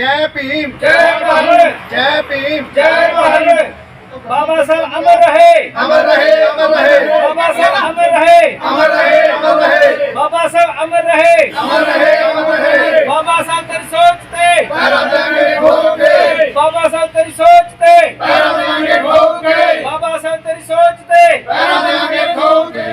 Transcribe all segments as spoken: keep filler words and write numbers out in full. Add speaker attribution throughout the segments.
Speaker 1: जय भीम
Speaker 2: जय भारत
Speaker 1: जय भीम
Speaker 2: जय भारत। बाबा साहब अमर रहे
Speaker 1: अमर रहे अमर रहे
Speaker 2: बाबा साहब अमर रहे
Speaker 1: अमर रहे अमर रहे
Speaker 2: बाबा साहब अमर रहे
Speaker 1: अमर रहे अमर रहे
Speaker 2: बाबा साहब तेरी सोच ते
Speaker 1: पैरा देंगे ठोक के
Speaker 2: बाबा साहब तेरी सोच ते
Speaker 1: पैरा देंगे ठोक के
Speaker 2: बाबा साहब तेरी सोच ते
Speaker 1: पैरा देंगे ठोक के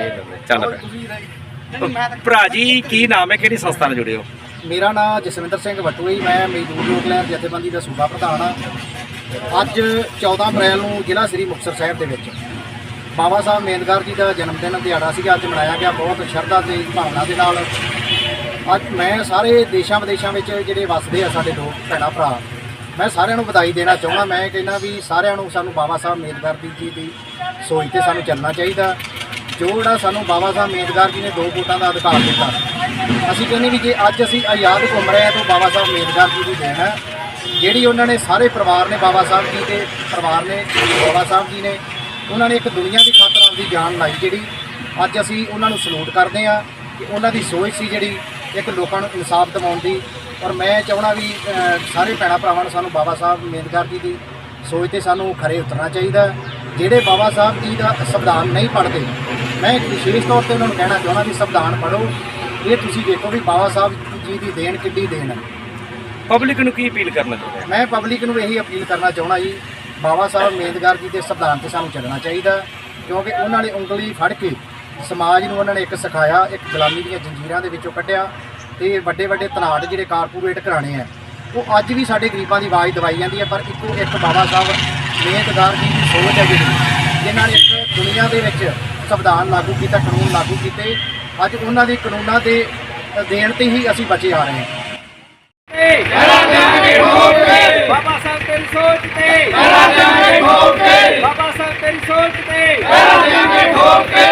Speaker 3: ਚੱਲ ਭਰਾ ਜੀ ਕੀ ਨਾਮ ਹੈ, ਕਿਹੜੀ ਸੰਸਥਾ ਨਾਲ ਜੁੜੇ ਹੋ?
Speaker 1: ਮੇਰਾ ਨਾਮ ਜਸਵਿੰਦਰ ਸਿੰਘ ਵਟੂ ਹੈ। ਮੈਂ ਮਜ਼ਦੂਰ ਲੋਕ ਲੈਣ ਜਥੇਬੰਦੀ ਦਾ ਸੂਬਾ ਪ੍ਰਧਾਨ ਹਾਂ। ਅੱਜ ਚੌਦਾਂ ਅਪ੍ਰੈਲ ਨੂੰ ਜ਼ਿਲ੍ਹਾ ਸ੍ਰੀ ਮੁਕਤਸਰ ਸਾਹਿਬ ਦੇ ਵਿੱਚ ਬਾਬਾ ਸਾਹਿਬ ਮੇਦਗਾਰ ਜੀ ਦਾ ਜਨਮ ਦਿਨ ਦਿਹਾੜਾ ਸੀਗਾ। ਅੱਜ ਮਨਾਇਆ ਗਿਆ ਬਹੁਤ ਸ਼ਰਧਾ ਤੇ ਭਾਵਨਾ ਦੇ ਨਾਲ। ਅੱਜ ਮੈਂ ਸਾਰੇ ਦੇਸ਼ਾਂ ਵਿਦੇਸ਼ਾਂ ਵਿੱਚ ਜਿਹੜੇ ਵੱਸਦੇ ਆ ਸਾਡੇ ਲੋਕ ਭੈਣਾਂ ਭਰਾ, ਮੈਂ ਸਾਰਿਆਂ ਨੂੰ ਵਧਾਈ ਦੇਣਾ ਚਾਹੁੰਦਾ। ਮੈਂ ਕਹਿੰਦਾ ਵੀ ਸਾਰਿਆਂ ਨੂੰ ਸਾਨੂੰ ਬਾਬਾ ਸਾਹਿਬ ਮੇਦਗਾਰ ਜੀ ਦੀ ਸੋਚ ਤੇ ਸਾਨੂੰ ਚੱਲਣਾ ਚਾਹੀਦਾ। ਜੋ ਜਿਹੜਾ ਸਾਨੂੰ ਬਾਬਾ ਸਾਹਿਬ ਮੇਦਗਾਰ ਜੀ ਨੇ ਦੋ ਵੋਟਾਂ ਦਾ ਅਧਿਕਾਰ ਦਿੱਤਾ, ਅਸੀਂ ਕਹਿੰਦੇ ਵੀ ਜੇ ਅੱਜ ਅਸੀਂ ਆਜ਼ਾਦ ਘੁੰਮ ਰਹੇ ਹਾਂ ਤਾਂ ਬਾਬਾ ਸਾਹਿਬ ਮੇਦਗਾਰ ਜੀ ਦੀ ਦੇਣ ਹੈ। ਜਿਹੜੀ ਉਹਨਾਂ ਨੇ ਸਾਰੇ ਪਰਿਵਾਰ ਨੇ ਬਾਬਾ ਸਾਹਿਬ ਜੀ ਦੇ ਪਰਿਵਾਰ ਨੇ ਬਾਬਾ ਸਾਹਿਬ ਜੀ ਨੇ ਉਹਨਾਂ ਨੇ ਇੱਕ ਦੁਨੀਆ ਦੀ ਖਾਤਰ ਆਪਦੀ ਜਾਨ ਲਾਈ, ਜਿਹੜੀ ਅੱਜ ਅਸੀਂ ਉਹਨਾਂ ਨੂੰ ਸਲੂਟ ਕਰਦੇ ਹਾਂ ਕਿ ਉਹਨਾਂ ਦੀ ਸੋਚ ਸੀ ਜਿਹੜੀ ਇੱਕ ਲੋਕਾਂ ਨੂੰ ਇਨਸਾਫ ਦਿਵਾਉਣ ਦੀ। ਔਰ ਮੈਂ ਚਾਹੁੰਦਾ ਵੀ ਸਾਰੇ ਭੈਣਾਂ ਭਰਾਵਾਂ ਨੂੰ ਸਾਨੂੰ ਬਾਬਾ ਸਾਹਿਬ ਮੇਦਗਾਰ ਜੀ ਦੀ ਸੋਚ ਤੇ ਸਾਨੂੰ ਖਰੇ ਉਤਰਨਾ ਚਾਹੀਦਾ। ਜਿਹੜੇ ਬਾਬਾ ਸਾਹਿਬ ਜੀ ਦਾ ਸੰਵਿਧਾਨ ਨਹੀਂ ਪੜ੍ਹਦੇ, ਮੈਂ ਇੱਕ ਵਿਸ਼ੇਸ਼ ਤੌਰ ਤੇ ਉਹਨਾਂ ਨੂੰ ਕਹਿਣਾ ਚਾਹੁੰਦਾ ਵੀ ਸੰਵਿਧਾਨ ਪੜ੍ਹੋ। ਇਹ ਤੁਸੀਂ ਦੇਖੋ ਵੀ ਬਾਬਾ ਸਾਹਿਬ ਜੀ ਦੀ ਦੇਣ ਕਿੱਡੀ ਦੇਣ ਹੈ।
Speaker 3: ਪਬਲਿਕ ਨੂੰ ਕੀ ਅਪੀਲ ਕਰਨਾ ਚਾਹੁੰਦੇ ਹੋ?
Speaker 1: ਮੈਂ ਪਬਲਿਕ ਨੂੰ ਇਹੀ ਅਪੀਲ ਕਰਨਾ ਚਾਹੁੰਦਾ ਜੀ, ਬਾਬਾ ਸਾਹਿਬ ਮੇਦਗਾਰ ਜੀ ਦੇ ਸੰਵਿਧਾਨ ਤੇ ਸਾਨੂੰ ਚੱਲਣਾ ਚਾਹੀਦਾ, ਕਿਉਂਕਿ ਉਹਨਾਂ ਨੇ ਉਂਗਲੀ ਫੜ ਕੇ ਸਮਾਜ ਨੂੰ ਉਹਨਾਂ ਨੇ ਇੱਕ ਸਿਖਾਇਆ, ਇੱਕ ਗੁਲਾਮੀ ਦੀਆਂ ਜੰਜੀਰਾਂ ਦੇ ਵਿੱਚੋਂ ਕੱਢਿਆ ਤੇ ਵੱਡੇ ਵੱਡੇ ਤਨਾਟ ਜਿਹੜੇ ਕਾਰਪੋਰੇਟ ਘਰਾਣੇ ਆ ਉਹ ਅੱਜ ਵੀ ਸਾਡੇ ਗਰੀਬਾਂ ਦੀ ਆਵਾਜ਼ ਦਵਾਈ ਜਾਂਦੀ ਹੈ। ਪਰ ਇੱਕੋ ਇੱਕ ਬਾਬਾ ਸਾਹਿਬ ਮੇਦਗਾਰ ਜੀ ਦੀ ਸੋਚ ਹੈ ਜਿਹੜੀ, ਜਿਨ੍ਹਾਂ ਨੇ ਇੱਕ ਦੁਨੀਆ ਦੇ ਵਿੱਚ ਸੰਵਿਧਾਨ ਲਾਗੂ ਕੀਤਾ, ਕਾਨੂੰਨ ਲਾਗੂ ਕੀਤੇ। ਅੱਜ ਉਹਨਾਂ ਦੇ ਕਾਨੂੰਨਾਂ ਦੇ ਦੇਣ ਤੇ ਹੀ ਅਸੀਂ ਬਚੇ ਆ ਰਹੇ ਹਾਂ।
Speaker 2: बाबा साहब तेरी सोच ते